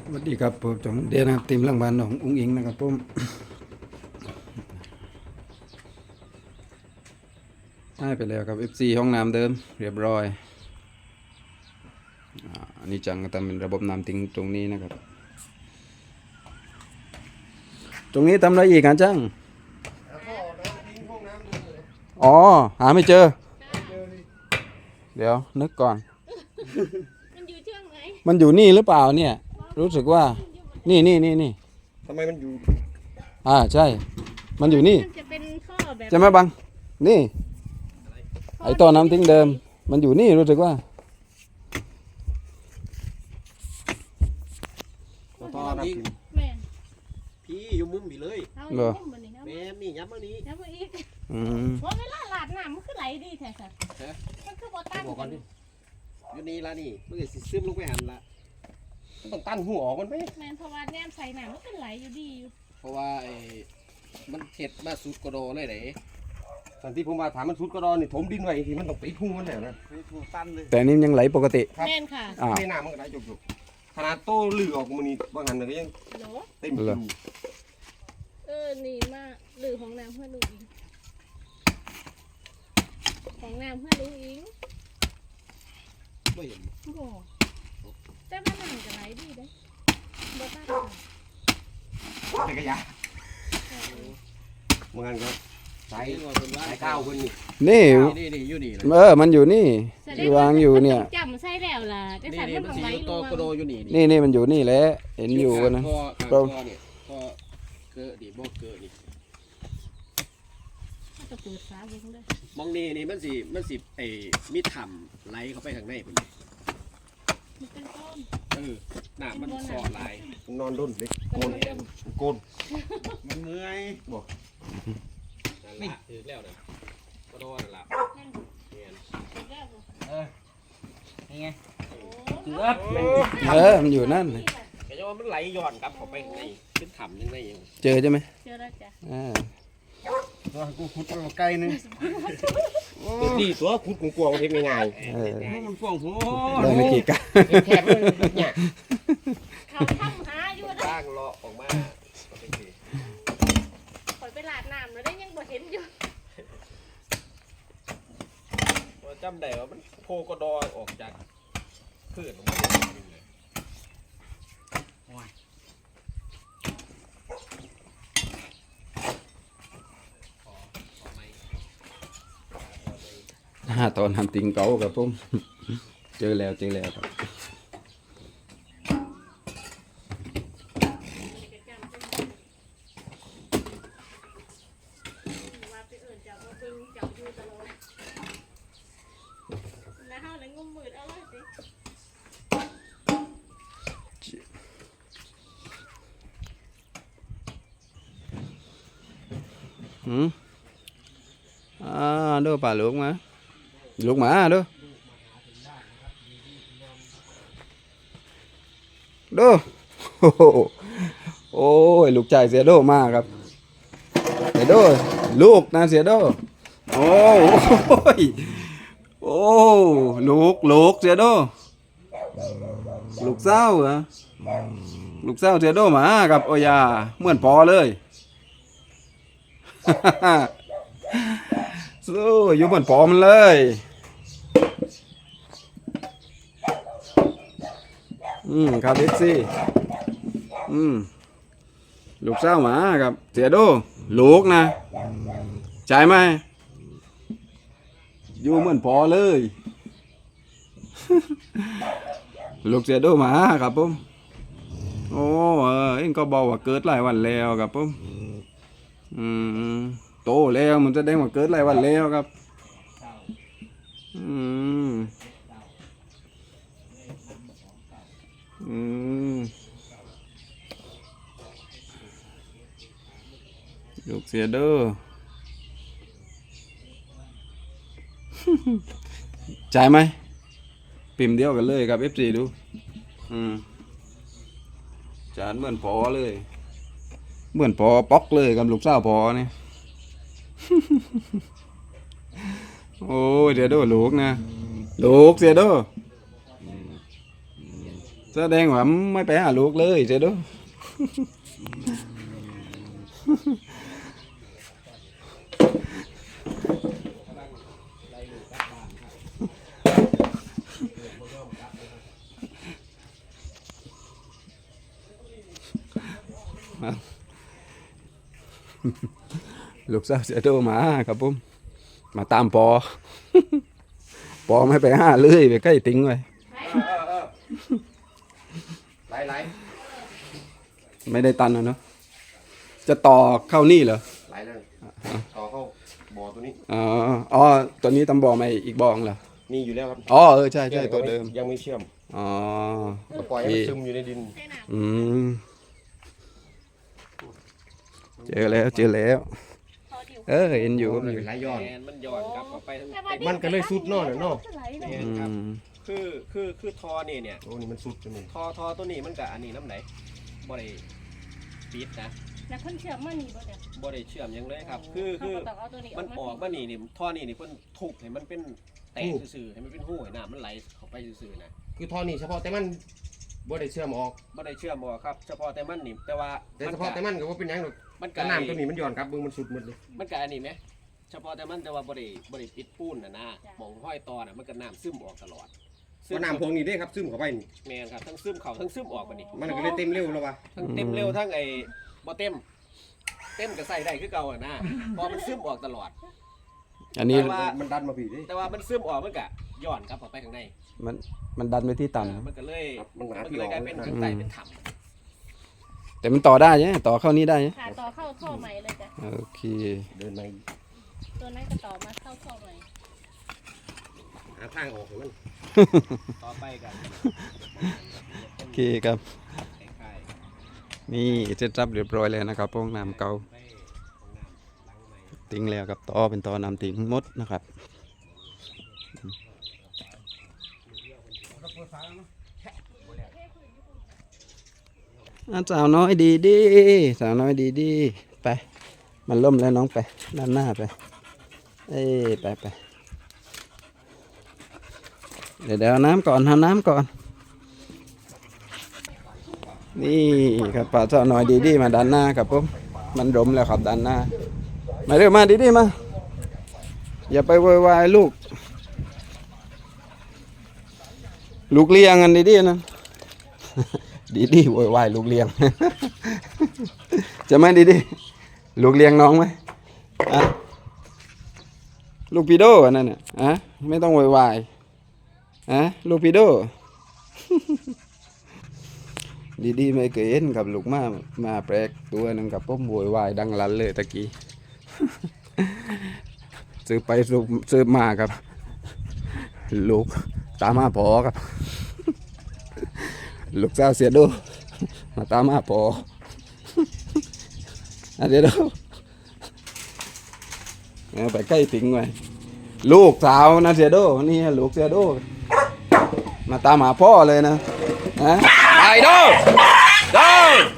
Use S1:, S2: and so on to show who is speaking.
S1: สวัสดีครับผมจงเดียนะครับทีมหลังบ้านของอุ้งอิงนะครับผมได้ไปแล้วครับ FC ห้องน้ำเดิมเรียบร้อยอันนี้จังก็ทำเป็นระบบน้ำทิ้งตรงนี้นะครับตรงนี้ทำอะไรอีกอ่ะจังอ๋อหาไม่เจอเดี๋ยวนึกก่อน
S2: มันอยู่ช่วงไหน
S1: มันอยู่นี่หรือเปล่าเนี่ยรู้สึกว่านี่
S3: ทำไมมันอยู่
S1: ใช่มันอยู่นี่
S2: มันจะเป็นท่อแบบ
S1: ใช่ไหมบังนี่ไอ้ท่อน้ำทิ้งเดิมมันอยู่นี่รู้สึกว่า
S3: ตอนนี้
S2: แม่น
S3: พี่อยู่มุมพี่เลย
S2: เอาอยู่มุมมันนี่เอา
S3: แม่นี่ยับมานี้
S2: แล้วมาอีก
S1: อืม
S2: ว่าเวลาหลาดน้ำมันคือไหลดีแท้สัสมันคือบ่ตั้ง
S3: บอกก่อนดิอยู่นี่ละนี่มันจะสิซึมลงไปหันละมันต้องตั้นหัวออกมันไหม
S2: แม่นเพราะว่าแนมใส่น้ำมันเป็นไหลอยู่ดีอยู่
S3: เพราะว่ามันเห็ดมาสุดกระโดเลยไหนตอนที่ผมมาถามมันสุดกระโดนี่ถมดินไว้ทีมันต้องปิดหูมันแล้วนะหูตั้นเลย
S1: แต่นี่ยังไหลปกติ
S2: แม่นค่ะ
S3: ในน้ำมันก็ได้จุกๆขนาดโต้ลือออกมันนี่บางหันก็ยัง
S2: โหล
S3: เต็มอยู่
S2: นี่มาหรือของน้ำเพื่อนลุงอิงของน้ำเพื่อนลุงอิง
S3: ไม่เห็น
S2: โอ้โหแต่ว่าน้ำก็ไหลดีเด้บ่ตั้งค่ะ
S3: แต่กระยาบางหันก็สายก้าวคนนี่
S1: นี่
S3: นี่อยู่นี่
S1: มันอยู่นี่ที่วางอยู่เนี่ย
S2: จำใส่แล้วล่ะแต่
S3: นี่
S2: สัน
S3: นี่
S2: มัน
S3: มัน
S2: ต้อง
S3: สี
S2: ไหล
S3: โต
S2: รว
S3: กระโด
S2: ม
S3: อยู่นี่
S1: นี่มันอยู่นี่แหละเห็นอยู่กันนะ
S3: ก็เนี่ยก็เกิดดิบ่เกิดนี่
S2: มันจะเปิดฝาเบิ่งเด้อ
S3: มองนี่มันสิมีถ้ำไหลเข้าไปข้างในพุ่น
S2: มันเป็นต้น
S3: น้ำมันสอดไหลนอนด้นเล็กโกนโกนมันเมื่อยบ่นี่ถือแล้วเด้อกระโดดนั่นล่ะ
S2: นั่น
S3: เนี่ย
S2: เป็นแล้วบ่
S3: นี่ไง
S2: โอ้
S3: เกือบ
S1: มันอยู่นั่น
S3: ก็จะว่ามันไหลย้อนกลับเข้าไปข้างในขึ้นถ้ำยังไงอยู่
S1: เจอใช่ไหม
S2: เจอแล้วจ้ะ
S3: ตัวกูขุดมาไกลนึงตัวดีตัวขุดกวางๆเฮ็ดง่าย มันฟ่องโห
S1: ได้ไม่กี่กัน
S3: แคบเลยเนี่ย
S2: เขาทำหาอยู่นะ
S3: สร้างเลาะออกมา
S2: ข่อยไปลาดน้ำแล้วได้ยังบ่เห็นอยู่
S3: จำได้ว่ามันโพกระดอออกจากพืชลงมาเลย
S1: ตอนทำติงเก๋ากับผมเจอแล้วครับ
S2: ว่าไปเอิ้นจับมาเบิ่งจับอยู่ตลอดแล้วเฮาเลยงมมืดเอาเลยสิ
S1: ดูป่าลูกมาดูโอ้ยลูกชายเสียโดมากครับเสียโดลูกนะเสียโดโอ้ยลูกเสียโดลูกเศร้าเหรอลูกเศร้าเสียโดมาครับโอ้ยาเหมือนพอเลยสู้อยู่เหมือนพอมันเลยครับเอฟซีลูกเศร้าหมาครับเสียโดลูกนะใช่ไหมอยู่เหมือนพอเลย ลูกเสียโดหมาครับผมโอ้เอ็งก็บอกว่าเกิดหลายวันแล้วครับผมโตแล้วมันจะได้มาเกิดหลายวันแล้วครับลูกเสียเด้อ จ่ายไหมพิมพ์เดียวกันเลยครับ F4 ดูจานเหมือนพอเลยเหมือนพอป๊อกเลยกับลูกสาวพอเนี่ย โอ้ยเดี๋ยวดูลูกนะลูกเสียดูสแสดงว่าไม่ไปหาลูกเลยเสียโดลูกสาวเสียโดมาครับผมมาตามปอ ปอไม่ไปหาเลยไปใกล้ติ้งไว้
S3: ไหล
S1: ไม่ได้ตันนะเนาะจะต่อเข้านี่เหรอ
S3: ไหลเลยต่อเข้าบ่อตัวนี้
S1: อ๋อตัวนี้ตำบ่อมาอีกบ่อเหรอ
S3: มีอยู่แล้วครับ
S1: อ๋อใช่ตัวเดิม
S3: ยังไม่เชื่อม
S1: อ๋อ
S3: ปล่อยให้มันซึมอยู่ในดิน
S1: อืมเจอแล้วเห็นอยู่
S3: มันไหลย้อน
S4: มันย้อนกลับเข้าไปทั้ง
S3: มันก็เลยสุดเนาะเนาะ
S1: อืม
S4: คือทอนี่เนี่ย
S3: โอ้นี่มันสุดจนนี่
S4: ทอตัวนี้มันกับอันนี้น้ำไหนบ่ได้ปิดนะ
S2: แล้วคนเชื่อมันนี่บ่เดี๋ยว
S4: บ่ได้เชื่อมหยังเลยครับ คือ
S2: เขาก็ต้องเอาตัวนี้
S4: มันออกมานี่ท่อนี่เพิ่นทุบให้มันเป็นแตกซื่อๆให้มันเป็นหูให้น้ำมันไหลเข้าไปซื่อๆนะ
S3: คือท่อนี่เฉพาะแต่มันบ่ได้เชื่อมออก
S4: บ่ได้เชื่อมบ่ครับเฉพาะแต่มันนี่แต่ว่า
S3: แต่เฉพาะแต่มันก็ว่าเป็นหยังหรอก
S4: มัน
S3: กระน้ำตัวนี้มันย้อนกลับเบิ่งมันสุดหมดเลย
S4: มันก็อันนี้ไหมเฉพาะแต่มันแต่ว่าบ่ได้ปิดปูนนะหม่องห้อยตอน่ะมันก็น้ำซึมออกตลอด
S3: กระน้ำพวกนี้เด้ครับซึมเข้าไปนี่
S4: แม่นครับทั้งซึมเข้าทั้งซึมออกบัดนี้
S3: มันก็เลยเต็มเร็วแล้ววะ
S4: ทั้งเต็มเร็วทั้งไอ้บ่เต็มก็ใส่ได้คือเก่าอ่ะนะเพอมันซึมออกตลอด
S1: อันนี้
S4: แต่ว่า
S3: มันดันมาผีดิ
S4: แต่ว่ามันซึมออกมันก็ย้อนกลับเข้าไปข้างใน
S1: มันดันไปที่ต่
S4: มันก็เลย
S3: มันหา
S4: มัน
S3: ที่
S4: ก็
S3: อ
S4: เล
S3: อย ก
S4: กลายเป็นข้างใต้เป็นถ้
S1: ำแต่มันต่อได้ใช่ไหมต่อเข้านี้ได้ใช่ไหม
S2: ค่ะต่อเข้าท่อใหม่เลยจ้ะ
S1: โอเค
S3: เดินมา
S2: ตัวนั้นก็ต่อมาเข้าท่อใหม่
S3: หาทางออกให้มัน
S4: ำต่อไปกัน
S1: โอเคครับ
S4: คล้าย
S1: นี่เสร็จรับเรียบร้อยแล้วนะครับพวกน้ำเก่า
S4: ๆไปของน้ำล้างใหม่
S1: ติ้งแล้วครับต่อเป็นต่อน้ำติ้งหมดนะครับสาวน้อยดีสาวน้อยดีไปมันล่มแล้วน้องไปด้านหน้าไปไปเดี๋ยวเอาน้ำก่อนเอาน้ำก่อนนี่ครับป่าสาวน้อยดีมาด้านหน้าครับผมมันร่มแล้วครับด้านหน้ามาเร็วมาดีมาอย่าไปโวยวายลูกเลี้ยงกันดีนะ ดีโวยวายลูกเลี้ยง จะไหมดีลูกเลี้ยงน้องไหมอะลูกพีโดอันนั้นเนี่ยอะไม่ต้องโวยวายอะลูกพีโด ดีไม่เคยเห็นกับลูกมาแปลกตัวหนึงกับผมโวยวายดังลั่นเลยตะกี้ ซื้อไปซื้อมาครับลูกตามมาพอครับ ลูกสาวเสียดูมาตามมาพอ เดี๋ยวไปใกล้ถึงไว้ลูกสาวนะเสียดูนี่ลูกเสียดูมาตามหาพ่อเลยนะไปดู